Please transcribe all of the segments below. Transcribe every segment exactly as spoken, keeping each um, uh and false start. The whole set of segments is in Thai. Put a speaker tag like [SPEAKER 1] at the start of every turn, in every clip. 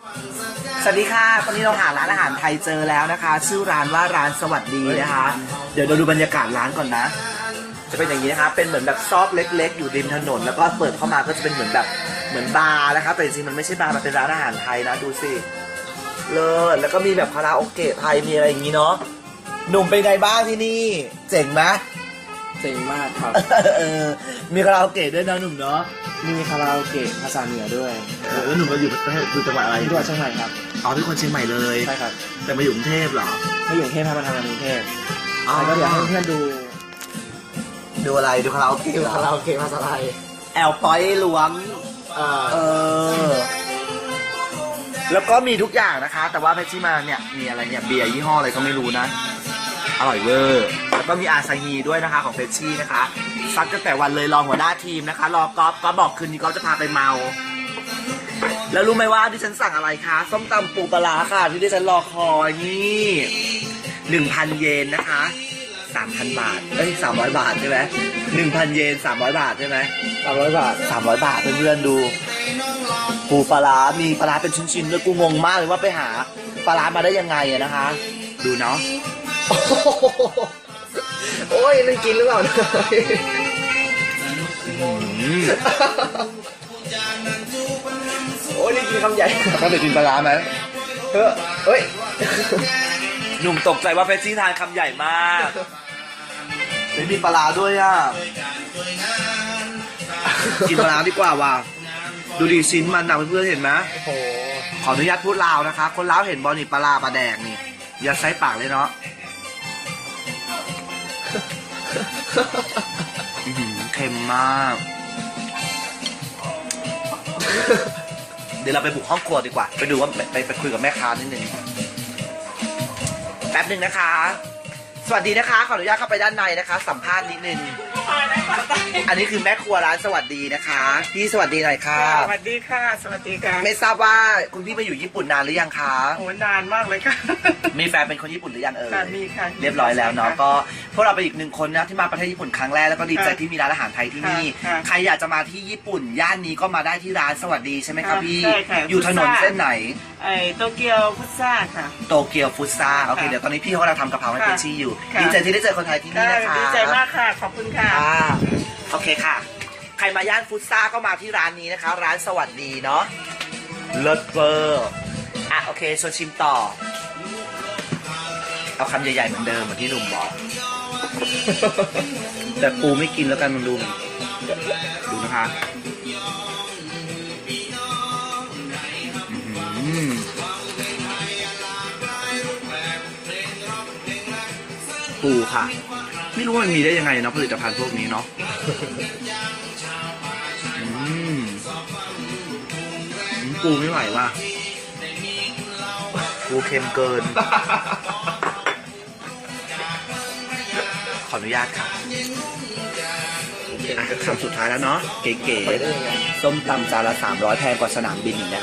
[SPEAKER 1] สวัสดีค่ะตอนนี้เราหาร้านอาหารไทยเจอแล้วนะคะ ชื่อร้านว่าร้านสวัสดีนะคะ เดี๋ยวเราดูบรรยากาศร้านก่อนนะ จะเป็นอย่างนี้นะคะเป็นเหมือนแบบซอกเล็กๆอยู่ริมถนนแล้วก็เปิดเข้ามาก็จะเป็นเหมือนแบบเหมือนบาร์นะคะแต่จริงๆมันไม่ใช่บาร์มันเป็นร้านอาหารไทยนะดูสิเลิศแล้วก็มีแบบคาราโอเกะไทยมีอะไรอย่างนี้เนาะหนุ่มเป็นไงบ้างที่นี่เจ๋งไหม
[SPEAKER 2] เจ๋งมากครับ
[SPEAKER 1] เออมีคาราโอเกะด้วยนะหนุ่มเนาะ
[SPEAKER 2] มีคาราโอเกะภาษาเหนือด้วย
[SPEAKER 1] เออแล้วหนุ่มมาอยู่ประเทศอยู่จังหวัดอะไร
[SPEAKER 2] ที่จังหวัดเชียงใหม่ครับ
[SPEAKER 1] อ๋อเป็นคนเชียงใหม่เลย
[SPEAKER 2] ใช่ครับ
[SPEAKER 1] แต่มาอยู่กรุงเทพเหรอ
[SPEAKER 2] ไม่อยู่กรุงเทพครับมาทำงานกรุงเทพ
[SPEAKER 1] อ๋อ
[SPEAKER 2] แล้วก็เดี๋ยวให้เพื่อนดู
[SPEAKER 1] ดูอะไรดูคาราโอเกะ
[SPEAKER 2] ดู
[SPEAKER 1] เหรอ
[SPEAKER 2] คาราโอเกะภาษาไทย
[SPEAKER 1] แอลปอยหลวง
[SPEAKER 2] เอ่อ
[SPEAKER 1] เออ แล้วก็มีทุกอย่างนะคะ แต่ว่าเพชรที่มาเนี่ยมีอะไรเนี่ยเบียร์ยี่ห้ออะไรก็ไม่รู้นะ อร่อยเวอร์ แล้วก็มีอาซาฮีด้วยนะคะของเฟชชี่นะคะซัดตั้งแต่วันเลยรองหัวหน้าทีมนะคะ รอกอล์ฟก็บอกคืนนี้ก็จะพาไปเมา แล้วรู้ไหมว่าที่ฉันสั่งอะไรคะส้มตำปูปลาร้าค่ะที่ที่ฉันรอคอยนี่หนึ่งพันเยนนะคะสามพันบาทเอ้ยสามร้อยบาทใช่ไหมหนึ่งพันเยนสามร้อยบาทใช่ไหม
[SPEAKER 2] สามร้อยบาท
[SPEAKER 1] สามร้อยบาทเพื่อนๆดูปูปลาร้ามีปลาร้าเป็นชิ้นๆด้วยกูงงมากเลยว่าไปหาปลาร้ามาได้ยังไงอะนะคะ ดูเนาะ
[SPEAKER 2] โอ้ยนั่นกินหรือเปล่า
[SPEAKER 1] อืม
[SPEAKER 2] โอ้ยนี่กินคำใหญ่
[SPEAKER 1] เขาเคยกินปลาร้าไหม
[SPEAKER 2] เฮ้ยเฮ้ย
[SPEAKER 1] หนุ่มตกใจว่าเฟชชี่ทานคำใหญ่มากไม่มีปลาร้าด้วยอ่ะกินปลาร้าดีกว่าว่ะดูดิชิ้นมันนะเพื่อนๆเห็นไหม
[SPEAKER 2] โอ้โห
[SPEAKER 1] ขออนุญาตพูดลาวนะคะ คนลาวเห็นบอลนี่ปลาร้าปลาแดกนี่อย่าใส่ปากเลยเนาะอื้อหือเค็มมาก เดี๋ยวเราไปบุกห้องครัวดีกว่า ไปดูว่าไปไปคุยกับแม่ค้านิดนึงแป๊บหนึ่งนะคะ สวัสดีนะคะ ขออนุญาตเข้าไปด้านในนะคะ สัมภาษณ์นิดนึง อันนี้คือแม่ครัวร้านสวัสดีนะคะ พี่สวัสดีหน่อยค่ะ
[SPEAKER 3] สวัสดีค่ะ สวัสดีค่ะ
[SPEAKER 1] ไม่ทราบว่าคุณพี่มาอยู่ญี่ปุ่นนานหรือยังคะ
[SPEAKER 3] โอ้นานมากเลยค่ะ
[SPEAKER 1] มีแฟนเป็นคนญี่ปุ่นหรือยังเอ่ย
[SPEAKER 3] ค่ะมีค่ะ
[SPEAKER 1] เรียบร้อยแล้วเนาะก็พวกเราเป็นอีกหนึ่งคนนะที่มาประเทศญี่ปุ่นครั้งแรกแล้วก็ดีใจ
[SPEAKER 3] ค่ะ
[SPEAKER 1] ที่มีร้านอาหารไทยที่นี่
[SPEAKER 3] ค่ะ
[SPEAKER 1] ใครอยากจะมาที่ญี่ปุ่น ย่านนี้ก็มาได้ที่ร้านสวัสดีใช่ไหมครับ
[SPEAKER 3] ค่ะ
[SPEAKER 1] พี่
[SPEAKER 3] ใช่ค่ะ
[SPEAKER 1] อยู่ถนน
[SPEAKER 3] ฟุตซ่า
[SPEAKER 1] เส้นไหน
[SPEAKER 3] ไอ้โตเกียวพุทซ่าค่ะ
[SPEAKER 1] โตเกียวฟุตซ่าโอเค
[SPEAKER 3] ค่ะ
[SPEAKER 1] เดี๋ยวตอนนี้พี่เขากำลังทำกะเพราให้
[SPEAKER 3] ค่ะ
[SPEAKER 1] เฟชชี่อยู่
[SPEAKER 3] ค่ะ
[SPEAKER 1] ดีใจที่ได้เจอคนไทยที่นี่
[SPEAKER 3] ค่ะ
[SPEAKER 1] นะคะ
[SPEAKER 3] ดีใจมากค่ะ ขอบคุณค่ะ
[SPEAKER 1] อ่าโอเคค่ะ ใครมาย่านฟุตซ่าก็มาที่ร้านนี้นะคะ ร้านสวัสดีเนาะเลิศเวอร์อ่ะโอเคชวนชิมต่อ เอาคำใหญ่ๆเหมือนเดิมเหมือนที่หนุ่มบอก แต่ปูไม่กินแล้วกันมึงดูดูนะคะอื้อหือปูค่ะ ไม่รู้ว่ามันมีได้ยังไงเนาะผลิตภัณฑ์พวกนี้เนาะอืมอืมปูไม่ไหวว่ะปูเค็มเกิน ขออนุญาตค่ะอ่ะคำสุดท้ายแล้วเนาะเก๋
[SPEAKER 2] ไปได้ยังไง
[SPEAKER 1] ๆส้มตำจานละสามร้อยแพงกว่าสนามบินอีกนะคะ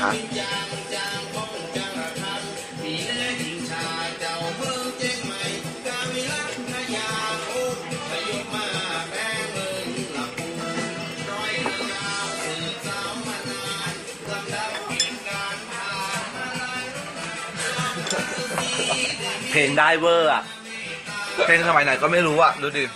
[SPEAKER 1] เพลงได้เวอร์อ่ะ เพลงสมัยไหนก็ไม่รู้อ่ะ ดูดิ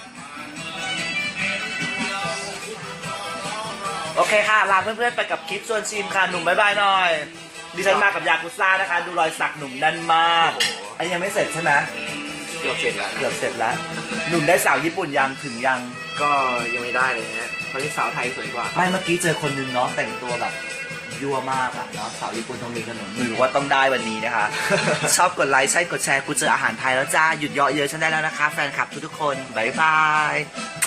[SPEAKER 1] โอเคค่ะ ลาเพื่อนๆ ไปกับคลิปชวนชิมค่ะ หนุ่มบ๊ายบายหน่อย ดิฉันมากับยากุซ่านะคะ ดูรอยสักหนุ่มแน่นมาก อันนี้ยังไม่เสร็จใช่ไหม
[SPEAKER 2] เกือบเสร็จแล้ว
[SPEAKER 1] เกือบเสร็จแล้ว หนุ่มได้สาวญี่ปุ่นยังถึงยัง
[SPEAKER 2] ก็ยังไม่ได้เลยฮะเพราะที่สาวไทยสวยกว่า
[SPEAKER 1] ไม่เมื่อกี้เจอคนนึงเนาะแต่งตัวแบบยั่วมากอะเนาะสาวญี่ปุ่นตรงนี้ขนมหรือว่าต้องได้วันนี้นะคะ ชอบกดไลค์ใช่กดแชร์กูเจออาหารไทยแล้วจ้า หยุดเยาะเยอะฉันได้แล้วนะคะ แฟนคลับทุกๆคน บ๊ายบาย